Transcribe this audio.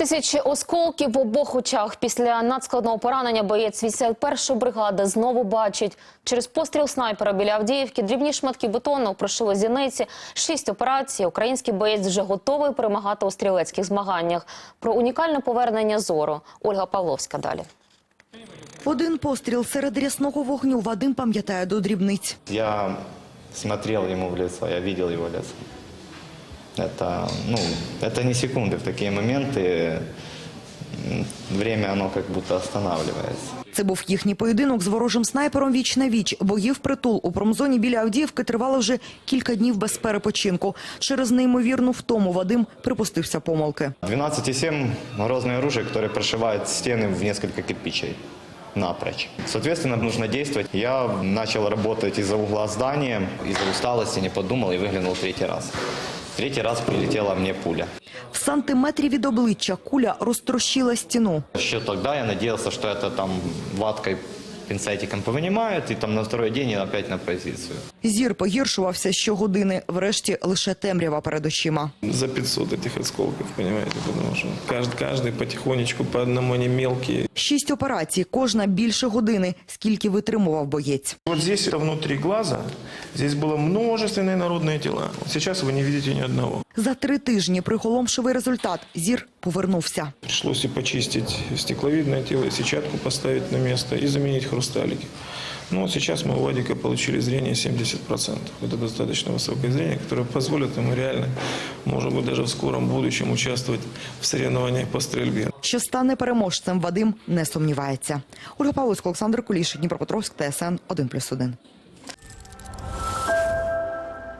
Тисячі осколків в обох очах. Після надскладного поранення боєць 81-ї бригади знову бачить. Через постріл снайпера біля Авдіївки дрібні шматки бетону прошили зіниці. 6 операцій. Український боєць вже готовий перемагати у стрілецьких змаганнях. Про унікальне повернення зору. Ольга Павловська далі. Один постріл серед рясного вогню Вадим пам'ятає до дрібниць. Я смотрел ему в лицо, я видел его лицо. Это не секунды. В такие моменты время оно как будто останавливается. Це був їхній поєдинок з ворожим снайпером віч на віч. Бої впритул у промзоні біля Авдіївки тривали вже кілька днів без перепочинку. Через неймовірну втому Вадим припустився помилки. 12,7 грозное оружие, которое прошивает стены в несколько кирпичей напрочь. Соответственно, нужно действовать. Я начал работать из-за угла здания, из-за усталости не подумал и выглянул третий раз. Третий раз прилетела мне пуля. В сантиметрі від обличчя куля розтрощила стіну. Еще тогда я надеялся, что это там ваткой, пинцетиком повынимают, и там на второй день опять на позицию. Зір погіршувався щогодини. Врешті лише темрява перед очима. За 500 этих осколков, понимаете, потому что каждый потихонечку, по одному они мелкие. 6 операцій, кожна більше години, скільки витримував боєць. Вот здесь это внутри глаза, здесь было множественные народные тела. Вот сейчас вы не видите ни одного. За 3 тижні приголомшивий результат. Зір повернувся. Пришлось и почистить стекловидное тело, и сетчатку поставить на место, и заменить хрусталики. Ну вот сейчас мы у Вадика получили зрение 70%. Это достаточно высокое зрение, которое позволит ему реально, может быть, даже в скором будущем участвовать в соревнованиях по стрельбе. Що стане переможцем, Вадим не сумнівається. Ольга Павловська, Олександр Куліш, Дніпропетровськ, ТСН 1+1.